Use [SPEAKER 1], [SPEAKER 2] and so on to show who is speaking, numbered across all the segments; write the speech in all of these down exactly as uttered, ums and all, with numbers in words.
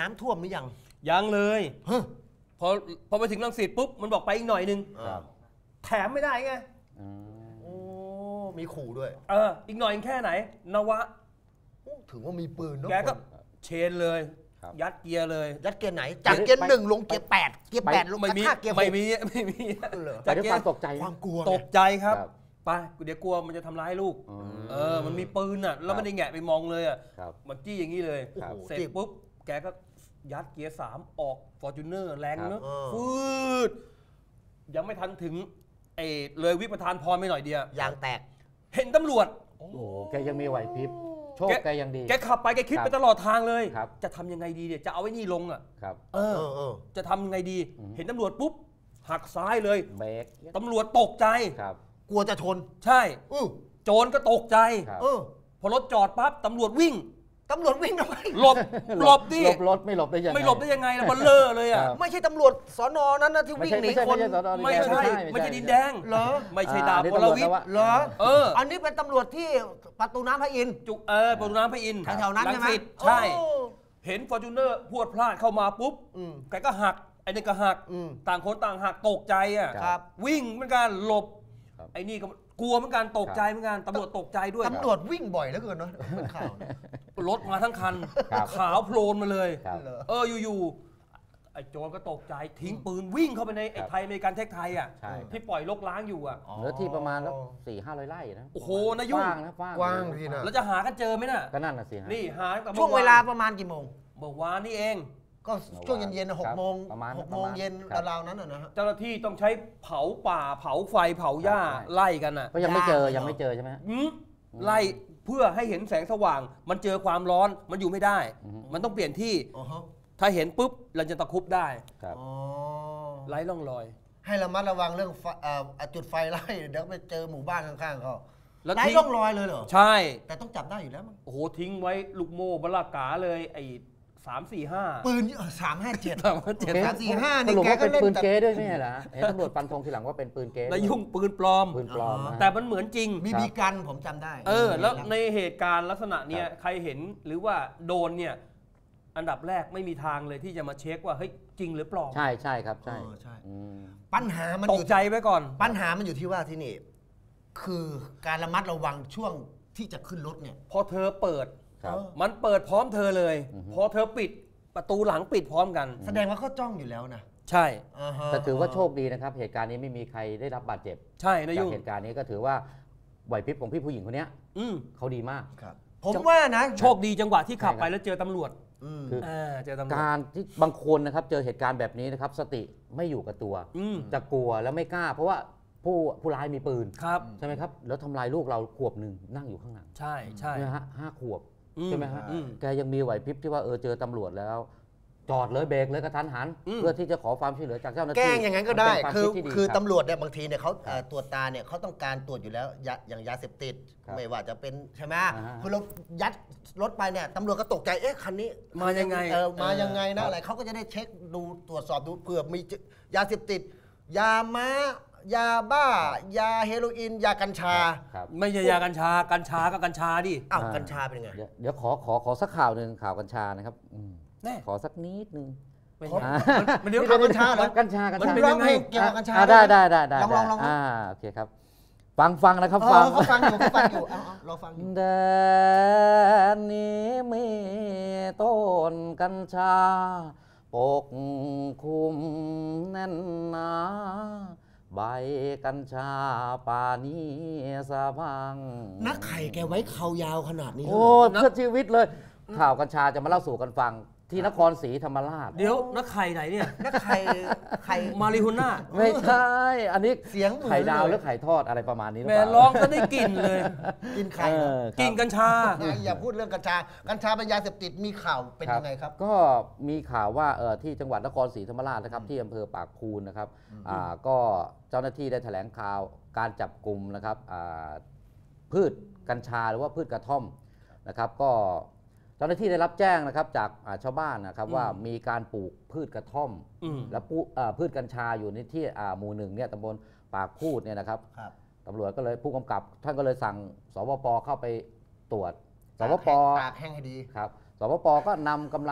[SPEAKER 1] น้ำท่วมหรือยัง
[SPEAKER 2] ยังเลยพอพอไปถึงรังสิตปุ๊บมันบอกไปอีกหน่อยนึงแถมไม่ได้ไง
[SPEAKER 1] โอ้มีขู่ด้วย
[SPEAKER 2] เอออีกหน่อยแค่ไหนนวะ
[SPEAKER 1] ถือว่ามีปืน
[SPEAKER 2] แกก็เชนเลยยัดเกียร์เลย
[SPEAKER 1] ยัดเกียร์ไหนจากเกียร์หนึ่งลงเกียร์แปดเกียร์แปดลง
[SPEAKER 2] ไม่มี
[SPEAKER 1] เกียร์
[SPEAKER 2] ไม่มีไม่มี
[SPEAKER 3] จากเกียร์ตกใจ
[SPEAKER 1] ความกลัว
[SPEAKER 2] ตกใจครับไปเดี๋ยวกลัวมันจะทำร้ายลูกเออมันมีปืนอ่ะแล้วไม่ได้แงะไปมองเลยอ่ะมันจี้อย่างนี้เลยเสร็จปุ๊บแกก็ยัดเกียร์สามออกฟอร์จูเนอร์แรงเนอะฟืดยังไม่ทันถึงไอ้เลยวิปทานพรไม่หน่อยเดียวย
[SPEAKER 1] างแตก
[SPEAKER 2] เห็นตำรวจ
[SPEAKER 3] โอ้แกยังมีไหวพริบโชคแกยังดี
[SPEAKER 2] แกขับไปแกคิดไปตลอดทางเลยจะทำยังไงดีเนี่ยจะเอาไว้นี่ลงอ่ะเออจะทำยังไงดีเห็นตำรวจปุ๊บหักซ้ายเลย
[SPEAKER 3] เบรก
[SPEAKER 2] ตำรวจตกใจ
[SPEAKER 1] กลัวจะชน
[SPEAKER 2] ใช่โจรก็ตกใจพอรถจอดปั๊บตำรวจวิ่ง
[SPEAKER 1] ตำรวจวิ่งทำไม
[SPEAKER 2] หลบหลบดิ
[SPEAKER 3] หลบรถไม่หลบได้ยังไง
[SPEAKER 2] ไม่หลบได้ยังไงล่ะมันเลอะเลยอ่ะ
[SPEAKER 1] ไม่ใช่ตำรวจสน.นั้นนะที่วิ่งหนีคน
[SPEAKER 2] ไม่ใช่ไม่ใช่ดินแดง
[SPEAKER 1] เหรอ
[SPEAKER 2] ไม่ใช่ดาบพลวิทย์
[SPEAKER 1] เหรอเอออันนี้เป็นตำรวจที่ประตูน้ำพระอินทร์
[SPEAKER 2] จุกเออประตูน้ำพระอินทร์
[SPEAKER 1] แถวๆนั้นใช่ไหม
[SPEAKER 2] ใช่เห็นฟอร์จูเนอร์พวดพลาดเข้ามาปุ๊บแกก็หักไอ้นี่ก็หักต่างคนต่างหักตกใจอ่ะวิ่งเหมือนกันหลบไอ้นี่ก็กลัวเหมือนกันตกใจเหมือนกันตำรวจตกใจด้วย
[SPEAKER 1] ตำรวจวิ่งบ่อยเหลือเกินเนาะเป็นข่าว
[SPEAKER 2] รถมาทั้งคันขาวโพลนมาเลยเอออยู่ๆไอ้โจรก็ตกใจทิ้งปืนวิ่งเข้าไปในไอ้ไทยอเมริกันเทคไทยอ่ะที่ปล่อยลกล้างอยู่อ่ะ
[SPEAKER 3] เนื้อที่ประมาณแล้วสี่ห้าร้อยไร่นะ
[SPEAKER 2] โอ้โหนายุ่ง
[SPEAKER 1] กว้างทีนะ
[SPEAKER 2] แล้วจะหากันเจอไหมน่ะ
[SPEAKER 3] ก็นั่นน่ะสิ
[SPEAKER 2] นี่หา
[SPEAKER 1] ช่วงเวลาประมาณกี่โมง
[SPEAKER 2] เมื่อวานนี่เอง
[SPEAKER 1] ก็ช่วงเย็นๆหกโมงหกโมงเย็นราวๆนั้นนะฮะ
[SPEAKER 2] เจ้าหน้าที่ต้องใช้เผาป่าเผาไฟเผาหญ้าไล่กันอ่ะ
[SPEAKER 3] ก็ยังไม่เจอยังไม่เจอใช่ไหม
[SPEAKER 2] ไล่เพื่อให้เห็นแสงสว่างมันเจอความร้อนมันอยู่ไม่ได้มันต้องเปลี่ยนที่ถ้าเห็นปุ๊บเราจะตะคุบได้ไล่ร่องรอย
[SPEAKER 1] ให้ระมัดระวังเรื่องจุดไฟไล่เดี๋ยวไปเจอหมู่บ้านข้างๆเขาไล่ร่องรอยเลยเหรอ
[SPEAKER 2] ใช่
[SPEAKER 1] แต่ต้องจับได้อยู่แล้วมั้ง
[SPEAKER 2] โอ้โหทิ้งไว้ลูกโม่บลากาเลยไอ้สามสี่ห้า
[SPEAKER 1] ปืนสามห้าเจ็ด
[SPEAKER 2] สามห้าเจ็ด
[SPEAKER 1] สามสี่ห้านี่
[SPEAKER 3] แกก็เป็นปืนเก๊ด้วยไม่ใช่เหรอเห็นตำรวจฟันธงทีหลังว่าเป็นปืนเก๊
[SPEAKER 2] นายุ่งปืนปลอม
[SPEAKER 3] ปืนปลอม
[SPEAKER 2] แต่มันเหมือนจริง
[SPEAKER 1] มีบีกันผมจำได้
[SPEAKER 2] เออแล้วในเหตุการณ์ลักษณะเนี้ยใครเห็นหรือว่าโดนเนี่ยอันดับแรกไม่มีทางเลยที่จะมาเช็คว่าเฮ้ยจริงหรือปลอม
[SPEAKER 3] ใช่ใช่ครับใช่
[SPEAKER 1] ใช่ปัญหามัน
[SPEAKER 2] ตกใจไว้ก่อน
[SPEAKER 1] ปัญหามันอยู่ที่ว่าที่นี่คือการระมัดระวังช่วงที่จะขึ้นรถเนี่ย
[SPEAKER 2] พอเธอเปิดมันเปิดพร้อมเธอเลยพอเธอปิดประตูหลังปิดพร้อมกัน
[SPEAKER 1] แสดงว่าเขาจ้องอยู่แล้วนะ
[SPEAKER 2] ใช่
[SPEAKER 3] แต่ถือว่าโชคดีนะครับเหตุการณ์นี้ไม่มีใครได้รับบาดเจ็บ
[SPEAKER 2] ใช่นะยุ่
[SPEAKER 3] งเหตุการณ์นี้ก็ถือว่าไหวพริบของพี่ผู้หญิงคนนี้เขาดีมาก
[SPEAKER 1] ผมว่านะ
[SPEAKER 2] โชคดีจังหวะที่ขับไปแล้วเจอตำรวจ
[SPEAKER 3] คือการที่บางคนนะครับเจอเหตุการณ์แบบนี้นะครับสติไม่อยู่กับตัวจะกลัวแล้วไม่กล้าเพราะว่าผู้ผู้ร้ายมีปืนใช่ไหมครับแล้วทำลายลูกเราขวบหนึ่งนั่งอยู่ข้างหลัง
[SPEAKER 2] ใช่ใช่
[SPEAKER 3] ฮะห้าขวบใช่ไหมฮะแกยังมีไหวพริบที่ว่าเออเจอตำรวจแล้วจอดเลยเบรกเลยกระทันหันเพื่อที่จะขอความช่วยเหลือจากเจ้าหน้าที่
[SPEAKER 1] แกล้งอย่างนั้นก็ได้คือคือตำรวจเนี่ยบางทีเนี่ยเขาตรวจตาเนี่ยเขาต้องการตรวจอยู่แล้วอย่างยาเสพติดไม่ว่าจะเป็นใช่ไหมคือเรายัดรถไปเนี่ยตำรวจก็ตกใจเอ๊ะคันนี้
[SPEAKER 2] มายังไง
[SPEAKER 1] เออมายังไงนะอะไรเขาก็จะได้เช็คดูตรวจสอบดูเผื่อมียาเสพติดยาม้ายาบ้ายาเฮโรอีนยากัญชา
[SPEAKER 2] ไม่ใช่ยากัญชากัญชาก็กัญชาดิ
[SPEAKER 1] อ้าวกัญชาเป็นไง
[SPEAKER 3] เดี๋ยวขอขอขอสักข่าวหนึ่งข่าวกัญชานะครับขอสักนิดนึง
[SPEAKER 1] มันเดี๋ยวข่าวกัญชาเหรอ
[SPEAKER 3] กัญชากัญชา
[SPEAKER 1] มันเป็นยังไงเกี่ยวกับกัญชา
[SPEAKER 3] ได้ได้ได้ได้
[SPEAKER 1] ลองลองลอง
[SPEAKER 3] อ่าโอเคครับฟังฟังนะครับ
[SPEAKER 1] ฟังเขาฟังอยู่เขาฟังอยู่เราฟัง
[SPEAKER 3] แดนนี้มีต้นกัญชาปกคลุมแน่นหนาใบกัญชาป่านี้สะพัง
[SPEAKER 1] นักไข่แกไว้เขายาวขนาดนี้
[SPEAKER 3] โอ้เพื่อชีวิตเลยข่าวกัญชาจะมาเล่าสู่กันฟังที่นครศรีธรรมราช
[SPEAKER 2] เดี๋ยวนักไข่ไหนเนี่ย
[SPEAKER 1] นักไข่ไข่
[SPEAKER 2] มาริฮุน่า
[SPEAKER 3] ไม่ใช่อันนี้
[SPEAKER 1] เสียง
[SPEAKER 3] ไข่ดาวหรือไข่ทอดอะไรประมาณนี้
[SPEAKER 2] แม่ร้องก็ได้กลิ่นเลย
[SPEAKER 1] กินไข่
[SPEAKER 2] กินกัญชา
[SPEAKER 1] อย่าพูดเรื่องกัญชากัญชาเป็นยาเสพติดมีข่าวเป็นยังไงครับ
[SPEAKER 3] ก็มีข่าวว่าที่จังหวัดนครศรีธรรมราชนะครับที่อำเภอปากพูนนะครับก็เจ้าหน้าที่ได้แถลงข่าวการจับกลุ่มนะครับพืชกัญชาหรือว่าพืชกระท่อมนะครับก็เจ้าหน้าที่ได้รับแจ้งนะครับจากชาวบ้านนะครับว่ามีการปลูกพืชกระท่อมและพืชกัญชาอยู่ในที่หมู่หนึ่งเนี่ยตำบลปากพูดเนี่ยนะครับตำรวจก็เลยผู้กำกับท่านก็เลยสั่งสปป.เข้าไปตรวจสปป.
[SPEAKER 1] ตากแห้งให้ดี
[SPEAKER 3] ครับสปป.ก็นำกำลัง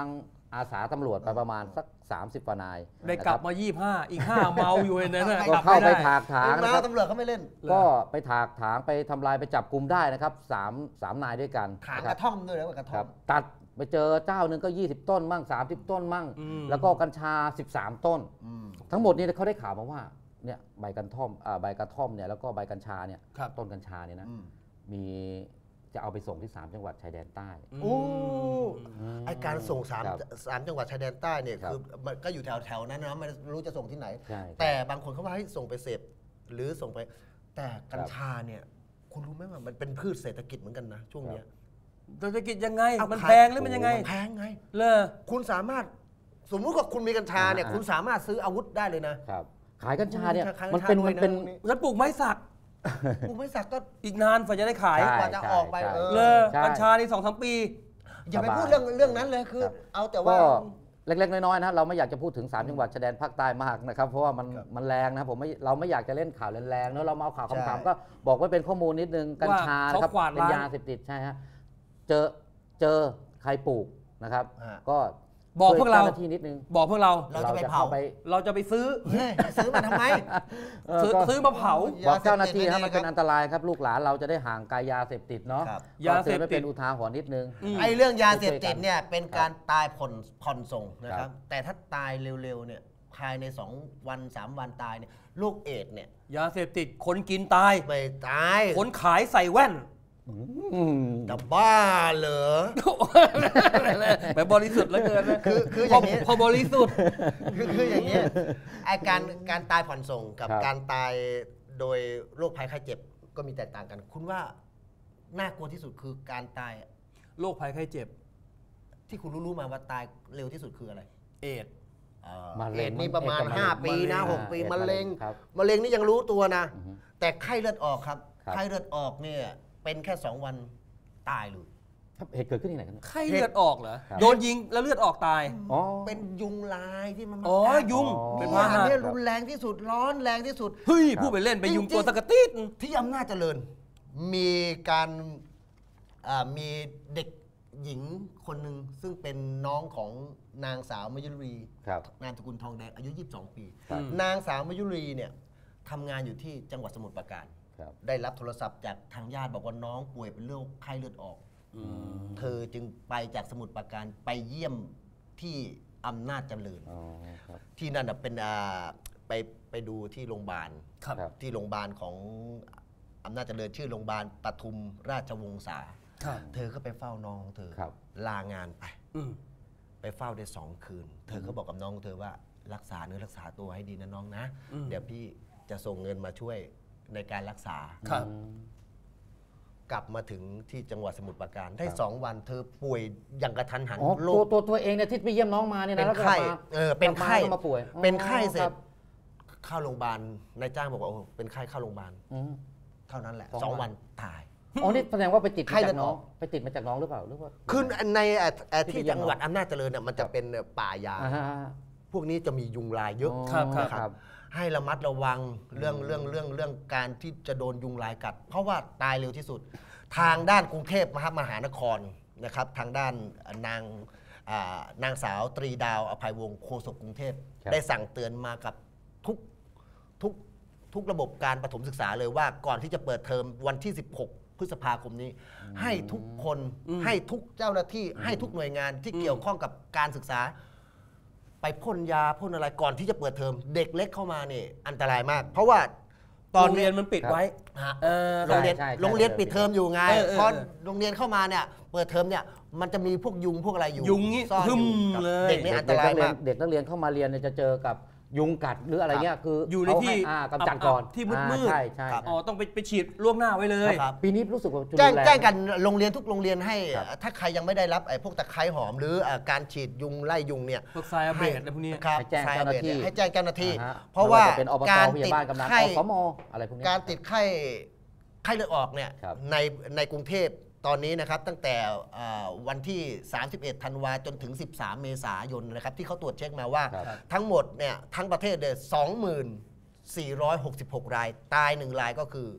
[SPEAKER 3] อาสาตำรวจไปประมาณสักสามสิบกว่านาย
[SPEAKER 2] ได้กลับมายี่สิบห้าอีกห้าเมาอยู่ในนั้น
[SPEAKER 3] ก็เข้าไปถากถางนะครับ
[SPEAKER 1] ตำรวจเขาไม่เล่น
[SPEAKER 3] ก็ไปถากถางไปทำลายไปจับกลุ่มได้นะครับสามสามนายด้วยกัน
[SPEAKER 1] ถางกระท่อมด้วยแล้วกระท่อม
[SPEAKER 3] ตัดไปเจอเจ้าหนึ่งก็ยี่สิบต้นมั่งสามสิบต้นมั่งแล้วก็กัญชาสิบสามต้นทั้งหมดนี้เขาได้ข่าวมาว่าเนี่ยใบกระท่อมใบกระท่อมเนี่ยแล้วก็ใบกัญชาเนี่ยต้นกัญชาเนี่ยนะมีจะเอาไปส่งที่สามจังหวัดชายแดนใต้
[SPEAKER 1] โอ้ไอการส่งสามสามจังหวัดชายแดนใต้เนี่ยคือมันก็อยู่แถวแถวนั้นนะไม่รู้จะส่งที่ไหนแต่บางคนเขาว่าให้ส่งไปเสพหรือส่งไปแต่กัญชาเนี่ยคุณรู้ไหมว่ามันเป็นพืชเศรษฐกิจเหมือนกันนะช่วงนี้
[SPEAKER 2] เศรษฐกิจยังไงมันแพงหรือมันยังไง
[SPEAKER 1] แพงไง
[SPEAKER 2] เลย
[SPEAKER 1] คุณสามารถสมมุติว่าคุณมีกัญชาเนี่ยคุณสามารถซื้ออาวุธได้เลยนะครับ
[SPEAKER 3] ขายกัญชาเนี่ยมันเป็นมันเป็น
[SPEAKER 2] ฉันปลูกไม้สัก
[SPEAKER 1] ปลูกไม้สักก็
[SPEAKER 2] อีกนานกว่าจะได้ขาย
[SPEAKER 1] กว่าจะออกไป
[SPEAKER 2] เลยกัญชานี่สองสามปี
[SPEAKER 1] อย่าไปพูดเรื่องเรื่องนั้นเลยคือเอาแต่ว่า
[SPEAKER 3] เล็กๆน้อยๆนะเราไม่อยากจะพูดถึงสามจังหวัดชายแดนภาคใต้มากนะครับเพราะว่ามันมันแรงนะผมไม่เราไม่อยากจะเล่นข่าวแรงๆเนอะเรามาเอาข่าวคำๆก็บอกไว้เป็นข้อมูลนิดนึงกัญชานะครับเป็นยาเสพติดใช่ฮะเจอเจอใครปลูกนะครับก็
[SPEAKER 2] บอกพวกเรา
[SPEAKER 3] ทีนิดนึง
[SPEAKER 2] บอกพวกเรา
[SPEAKER 1] เราจะไปเผา
[SPEAKER 2] เราจะไปซื้อ
[SPEAKER 1] ซื้อมาทำไม
[SPEAKER 2] ซื้อมาเผา
[SPEAKER 3] บอกเจ้าหน้าที่ครับมันเป็นอันตรายครับลูกหลานเราจะได้ห่างไกลยาเสพติดเนาะ
[SPEAKER 2] ยาเสพติด
[SPEAKER 3] เป็นอุทาหรณ์นิดนึง
[SPEAKER 1] ไอ้เรื่องยาเสพติดเนี่ยเป็นการตายผ่อนผ่อนส่งนะครับแต่ถ้าตายเร็วๆเนี่ยภายในสองวันสามวันตายเนี่ยโรคเอดส์เนี่ย
[SPEAKER 2] ยาเสพติดคนกินตาย
[SPEAKER 1] ไม่ตาย
[SPEAKER 2] คนขายใส่แว่น
[SPEAKER 1] จะบ้าเหรอ
[SPEAKER 2] แบบบริสุทธิ์แล้วเกินนะ
[SPEAKER 1] คือคืออย่างนี้
[SPEAKER 2] พอบริสุทธิ์
[SPEAKER 1] คือคืออย่างนี้ไอการการตายผ่อนส่งกับการตายโดยโรคภัยไข้เจ็บก็มีแตกต่างกันคุณว่าน่ากลัวที่สุดคือการตาย
[SPEAKER 2] โรคภัยไข้เจ็บ
[SPEAKER 1] ที่คุณรู้ๆมาว่าตายเร็วที่สุดคืออะไร
[SPEAKER 2] เอดส์
[SPEAKER 1] เอดส์นี่ประมาณห้าปีนะหกปีมะเร็งมะเร็งนี่ยังรู้ตัวนะแต่ไข้เลือดออกครับไข้เลือดออกเนี่ยเป็นแค่สองวันตายเลย
[SPEAKER 3] เหตุเกิดขึ้นที่ไหนกัน
[SPEAKER 2] ไข้เลือดออกเหรอโดนยิงแล้วเลือดออกตาย
[SPEAKER 1] อ๋อเป็นยุงลายที่มัน
[SPEAKER 2] อ๋อยุง
[SPEAKER 1] เป็นพาหะที่รุนแรงที่สุดร้อนแรงที่สุด
[SPEAKER 2] เฮ้ยพูดไปเล่นไปยุงตัวสกติด
[SPEAKER 1] ที่อำนาจเจริญมีการมีเด็กหญิงคนหนึ่งซึ่งเป็นน้องของนางสาวมยุรีนามสกุลทองแดงอายุยี่สิบสองปีนางสาวมยุรีเนี่ยทำงานอยู่ที่จังหวัดสมุทรปราการได้รับโทรศัพท์จากทางญาติบอกว่าน้องป่วยเป็นโรคไข้เลือดออกเธอจึงไปจากสมุทรปราการไปเยี่ยมที่อำนาจเจริญที่นั่นเป็นไปไปดูที่โรงพยาบาลที่โรงพยาบาลของอำนาจเจริญชื่อโรงพยาบาลปทุมราชวงศาเธอก็ไปเฝ้าน้องเธอลางานไปไปเฝ้าได้สองคืนเธอก็บอกกับน้องเธอว่ารักษาเนื้อรักษาตัวให้ดีนะน้องนะเดี๋ยวพี่จะส่งเงินมาช่วยในการรักษาครับกลับมาถึงที่จังหวัดสมุทรปราการได้สองวันเธอป่วยอย่างกระทันหัน
[SPEAKER 3] โรคตัวตัวเองเนี่ยที่ไปเยี่ยมน้องมาเนี่ยนะ
[SPEAKER 1] เป็นไข้เออเป็นไข้
[SPEAKER 3] มาป่วย
[SPEAKER 1] เป็นไข้เสร็จเข้าโรงพยาบาลนายจ้างบอกว่าโอ้เป็นไข้เข้าโรงพยาบาลเท่านั้นแหละสองวันตาย
[SPEAKER 3] อ๋อนี่แสดงว่าไปติดมาจากน้องไปติดมาจากน้องหรือเปล่าหรือว่า
[SPEAKER 1] คือในที่จังหวัดอำนาจเจริญเนี่ยมันจะเป็นป่ายางพวกนี้จะมียุงลายเยอะครับให้ระมัดระวังเรื่องเรื่องเรื่องเรื่องการที่จะโดนยุงลายกัดเพราะว่าตายเร็วที่สุดทางด้านกรุงเทพมหานครนะครับทางด้านนางนางสาวตรีดาวอภัยวงศ์โฆษกกรุงเทพได้สั่งเตือนมากับทุกทุกทุกระบบการประถมศึกษาเลยว่าก่อนที่จะเปิดเทอมวันที่สิบหกพฤษภาคมนี้ให้ทุกคนให้ทุกเจ้าหน้าที่ให้ทุกหน่วยงานที่เกี่ยวข้องกับการศึกษาไปพ่นยาพ่นอะไรก่อนที่จะเปิดเทอมเด็กเล็กเข้ามาเนี่ยอันตรายมากเพราะว่า
[SPEAKER 2] ตอนเรียนมันปิดไว้
[SPEAKER 1] โรงเรียนโรงเรียนปิดเทอมอยู่ไงพอโรงเรียนเข้ามาเนี่ยเปิดเทอมเนี่ยมันจะมีพวกยุงพวกอะไรอยู่
[SPEAKER 2] ยุงนี่
[SPEAKER 1] ซ่อนอยู่เด็กนี่อันตรายมาก
[SPEAKER 3] เด็กนักเรียนเข้ามาเรียนเนี่ยจะเจอกับยุงกัดหรืออะไรเงี้ยคือ
[SPEAKER 2] อยู่ในที่
[SPEAKER 3] กำจัดก่อน
[SPEAKER 2] ที่มืดๆ
[SPEAKER 3] ใช่ใช่
[SPEAKER 2] อ๋อต้องไปไปฉีดล่วงหน้าไว้เลย
[SPEAKER 3] ปีนี้รู้สึกว่า
[SPEAKER 1] แจ้งแจ้งกันโรงเรียนทุกโรงเรียนให้ถ้าใครยังไม่ได้รับไอ้พวกตะไคร้หอมหรือการฉีดยุงไล่ยุงเนี่ย
[SPEAKER 2] พวกไซอาเบตอะไรพวกนี้
[SPEAKER 3] ให้แจ้งเจ้าหน้าที่
[SPEAKER 1] ให้แจ้งเจ้าหน้าที่เพราะว่าการติดไข้
[SPEAKER 3] อะไรพวกนี้
[SPEAKER 1] การติดไข้ไข้เลือดออกเนี่ยในในกรุงเทพตอนนี้นะครับตั้งแต่วันที่สามสิบเอ็ดธันวาจนถึงสิบสามเมษายนนะครับที่เขาตรวจเช็คมาว่าทั้งหมดเนี่ยทั้งประเทศเนี่ย สองหมื่นสี่ร้อยหกสิบหก รายตายหนึ่งรายก็คือ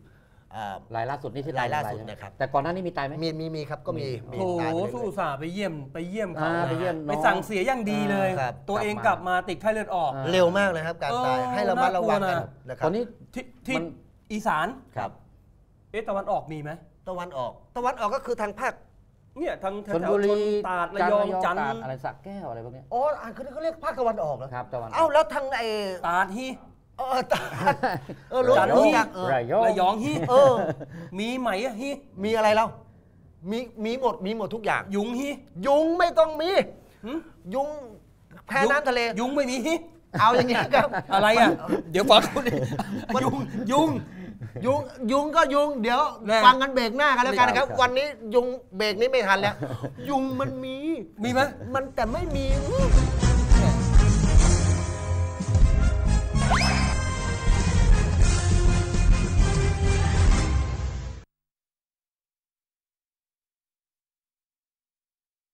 [SPEAKER 1] อ่า
[SPEAKER 3] รายล่าสุดนี่ที่
[SPEAKER 1] รายล่าสุด
[SPEAKER 3] ใช่ไหม
[SPEAKER 1] นะครับ
[SPEAKER 3] แต่ก่อนหน้านี้มีตายไหม
[SPEAKER 1] มีมีมีครับก็มีมี
[SPEAKER 2] โถ
[SPEAKER 1] ตายไปเลย
[SPEAKER 2] สู้อุตส่าห์ไปเยี่ยมไปเยี่ยมเขา
[SPEAKER 3] อ่าไปเยี่ยมน้อง
[SPEAKER 2] ไปสั่งเสียอย่างดีเลย
[SPEAKER 1] ครับ
[SPEAKER 2] ตัวเอง
[SPEAKER 3] กลับมา
[SPEAKER 2] กลับมาติดไข้เลือดออก
[SPEAKER 3] อ่า
[SPEAKER 1] เร็วมากเลยครับการตาย
[SPEAKER 2] เออ
[SPEAKER 1] ให้ระมัดระวังกัน
[SPEAKER 2] น่ากลัวนะ
[SPEAKER 1] นะค
[SPEAKER 3] ต
[SPEAKER 1] รั
[SPEAKER 3] อบ นนี้
[SPEAKER 2] ที่ที่
[SPEAKER 3] มัน
[SPEAKER 2] อีสาน
[SPEAKER 1] ครับ
[SPEAKER 2] เอ๊ะตะวันออกมีไหม
[SPEAKER 1] ตะวันออกตะวันออกก็คือทางภาค
[SPEAKER 2] เนี่ยทางแถ
[SPEAKER 3] ช
[SPEAKER 2] ว
[SPEAKER 3] ล
[SPEAKER 2] ๆ
[SPEAKER 3] บุรี
[SPEAKER 2] ชนตาดระยองจันท
[SPEAKER 3] ตราด
[SPEAKER 2] ร์
[SPEAKER 3] อะไรสระแก้วอะไรพวกเนี้ย
[SPEAKER 1] อ๋ออ่านเขาเขาเรียกภาคตะวันออกเหรอ
[SPEAKER 3] ครับตะวันก
[SPEAKER 1] เอ้าแล้วทางไอ้
[SPEAKER 2] ตาดฮี
[SPEAKER 1] เออตาเออรู้
[SPEAKER 2] จันทร์
[SPEAKER 1] รู้จักเออ
[SPEAKER 3] ระยอง
[SPEAKER 2] ระยองฮี
[SPEAKER 1] เออ
[SPEAKER 2] มีไหมอะฮี
[SPEAKER 1] มีอะไรแล้วมีมีหมดมีหมดทุกอย่าง
[SPEAKER 2] ยุงฮี
[SPEAKER 1] ยุงไม่ต้องมี
[SPEAKER 2] หึ
[SPEAKER 1] ยุงแพ้น้ำทะเล
[SPEAKER 2] ยุงไม่มีฮี
[SPEAKER 1] เอาอย่างเงี้ยครับ
[SPEAKER 2] อะไรอ่ะ เดี๋ยวฟังคุณดิยุงยุง
[SPEAKER 1] ยุงยุงก็ยุงเดี๋ยว
[SPEAKER 2] แน่
[SPEAKER 1] ฟังกันเบรกหน้ากันแล้วกันนะครับ
[SPEAKER 3] ครับ
[SPEAKER 1] วันนี้ยุงเบรกนี้ไม่ทันแล้ว ยุงมันมี
[SPEAKER 2] มีไหม
[SPEAKER 1] มันแต่ไม่มี